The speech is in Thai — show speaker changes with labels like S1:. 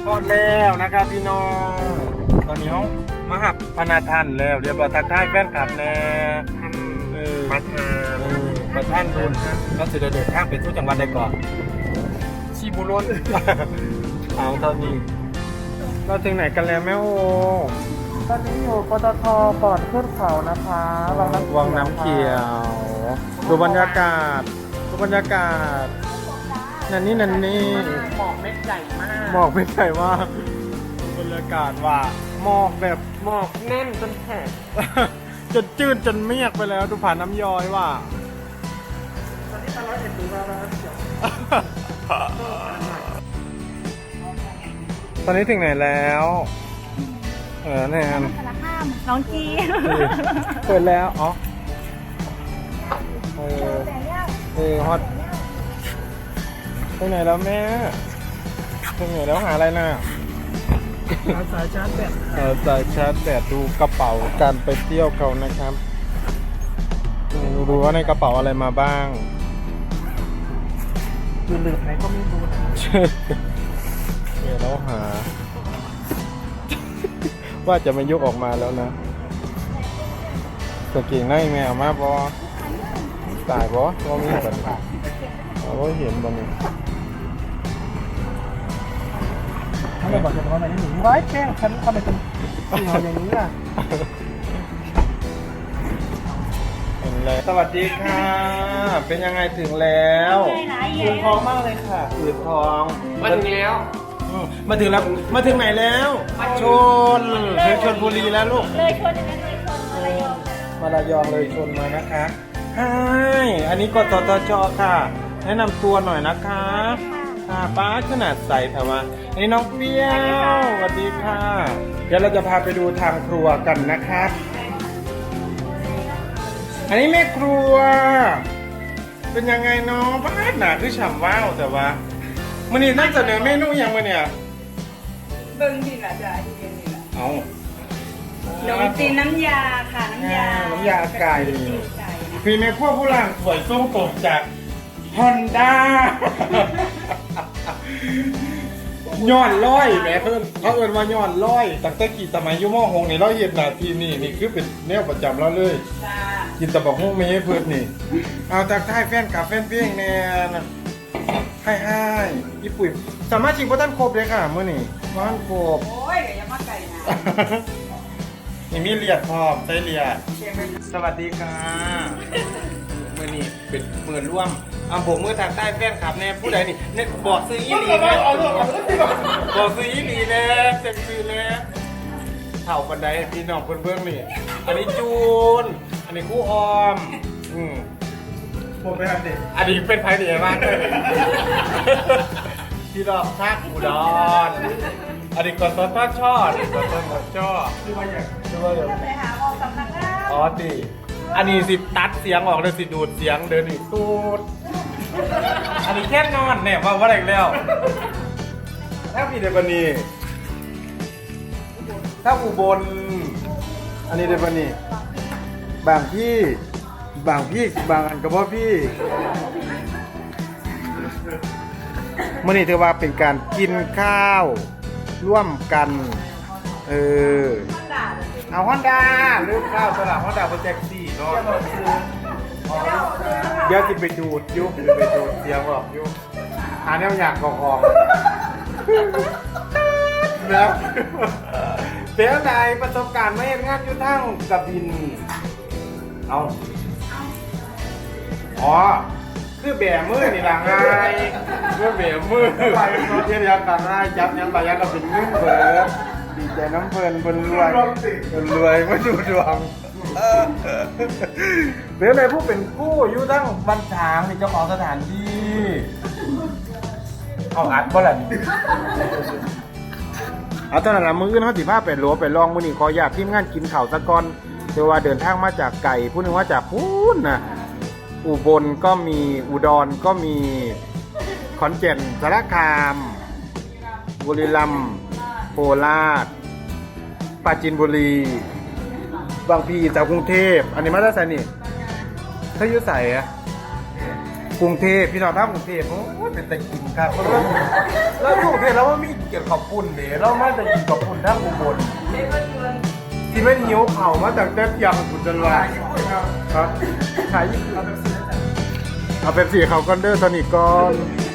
S1: อดแล้วนะครับพี่น้องตอนนี้เขามาหับพนาทันแล้วเรียบร้อยทักทายแฟนคลับแน่ประท่านรุนก็จะเดินทางไปทุกจังหวัดได้ก่อนชีบุรนเอาตอนนี้เราถึงไหนกันแล้วแม่โอตอนนี้อยู่ปตทก่อนขึ้นเขานะคะวังน้ำเขียวดูบรรยากาศนั่นนี่
S2: หมอกเม็ดใหญ่มาก
S1: หมอกไม่ใช่ว่าบรรยากาศว่าหมอกแบบ
S2: หมอกแน่นจนแข็ง
S1: จนจืดจนเมียกไปแล้วดูผ่านน้ำย้อยว่า
S2: ตอนนี้ตลอดเห็นดูแล้วเดี๋ยว
S1: ตอนนี้ถึงไหนแล้วแนน
S3: สารข้ามน้องกี
S1: เปิดแล้วอ๋อฮอตถึงไหนแล้วแม่ถึงไหนแล้วหาอะไรน่ะ
S2: สายชาร์จแบต
S1: สายชาร์จแบตดูกระเป๋าการไปเที่ยวเขานะครับดูว่าในกระเป๋าอะไรมาบ้าง
S2: คือลืมไหนก็ไม่รู้นะ
S1: เดี๋ยวเราหา ว่าจะไม่ยกออกมาแล้วนะสกิ่งในแมวมาบอตายบอว่ามีแบบเราเห็นบอนี่
S2: ถ้าไม่บอกจะทำอะไรนี่หนูไว้แกล้งฉันทำไมเป็นเสี่ยวอย่างนี้ล่ะ
S1: เห็นเลยสวัสดีค่ะ เป็นยังไงถึงแล้วอืดท้องมากเลยค่ะอืดท้อง
S2: มาถึงแล้ว
S1: มาถึงแล้วมาถึงไหนแล้วชนชนบุรีแล้วลูก
S3: เลยชนอย่างนั้นเลยชนอะไรยอง
S1: มาระยองเลยชนมานะคะใช่อันนี้กตตชค่ะ แนะนำตัวหน่อยนะคะค่ะป้าขนาดใสแต่ว่าอันนี้น้องเปรี้ยวสวัสดีค่ะ เดี๋ยวเราจะพาไปดูทางครัวกันนะครับ อันนี้แม่ครัว เป็นยังไงเนาะบ้านหนาคือฉ่ำว้าวแต่ว่ามันนี่นั่งเสนอเมนูอย่างมาเนี่ย
S4: เบิ่งดิล่ะจ้ะที่เรียนนี่ล่ะ
S1: เอา
S4: ขนมจีนน้ำยาค่ะน้ำยา
S1: น้ำยาไก่
S4: ไก่นะ
S1: ฟีแม่ครัวผู้ล่างสวยทรงผมจากฮอนด้าย้อนร้อยแหม่เขาเอิ้นว่าย้อนร้อยตั้งแต่กี่สมัยอยุ่ม่อหงนี่เราเห็นหน้าที่นี่คือเป็นแนวประจำเราเลย
S4: จ้า
S1: กินแตะบอกฮงไม่ให้เพิ่นนี่ เอาจากท้ายแฟนกับแฟนเพียงแน่นะให้ญี่ปุ่นสามารถชิงพ่ท่านครบเลยค่ะมื้อนี้พ่ท่านครบ
S4: โอ้ยอย่ามาไก่นะ
S1: นี่มีเลียดพร้อมใช้เลียด
S4: เชียงใหม่
S1: สวัสดีค่ะมื้อนี้เป็นมื้อร่วมผมมือทางใต้แฟนคลับแน่ผู้ใดนี่เนี่ยบอกซื้ออีหลีแน่บอกซื้ออีหลีแน่เต็มซื้อแน่เท่าบันไดให้พี่น้องเพิ่นเบิ่งนี่ อันนี้จูน อันนี้ครู่ออมผมไปทำเด็กอันนี้เป็นไพ่เดียมากเลยที่ดอกชาอุดรอันนี้กดต้นช่อนี่กดต้นช่อที่ว่าอย่าง
S4: ไปหาออกสำนักงาน
S1: อ๋อตีอันนี้สิตัดเสียงออกเลยสิดูดเสียงเดินอีกตูดอันนี้แค่นอนเนี่ยว่าอะไรแล้วถ้าพี่เดบันีถ้าอุบลอันนี้เดบันีบางพี่บางอันกับพ่อพี่มื่อนี้ถือว่าเป็นการกินข้าวร่วมกันเอาฮอนด้าลืมข้าวสลับฮอนด้าโปรเจกต์4เนาะเดี๋ยวจะไปดูดยุบไปดูดเสียงออกยุบหาแนวอยากออกแล้วเสียใดประสบการณ์ไม่เห็นงานอยู่ทั้งกระบินเอาอ๋อคือแบมือนี่ละไงคือแบมือไปเทียนยันต่างง่ายจับยันไปยันเราเป็นเงินเบิดดีใจน้ำเพลินรวยมาดูดวงเดี๋ยวเลยผู้เป็นผู้อยู่ทั้งบันทางนี่เจ้าของสถานที่เอาอัดบ่ล่ะนี่เอาตอนนั้นละมือเขาสิพาไปหลัวไปลองมือนี่ขออยากทีมงานกินข่าวสะก่อนเดี๋ยวว่าเดินทางมาจากไก่ผู้หนึงว่าจากพูนนะอุบลก็มีอุดรก็มีขอนแก่นสารคามบุรีรัมย์โคราชปราจีนบุรีบางพีจากกรุงเทพอันนี้มาได้ใส่นี่ถ้าอยู่ใส่อะกรุงเทพพี่น้องท่ากรุงเทพโอ้ยเป็นแต่กินครับแล้วกรุงเทพแล้วว่ามีเกี่ยวกับปุ่นเด้เรามาแต่กินกับปุ่นท่าอุบลที่ไม่หิวเข่ามาจากเด็ดยังบุญจันทร์ครับขายญี่ปุ่นเอาเป็นสีเขากันเด้อสนิทก่อน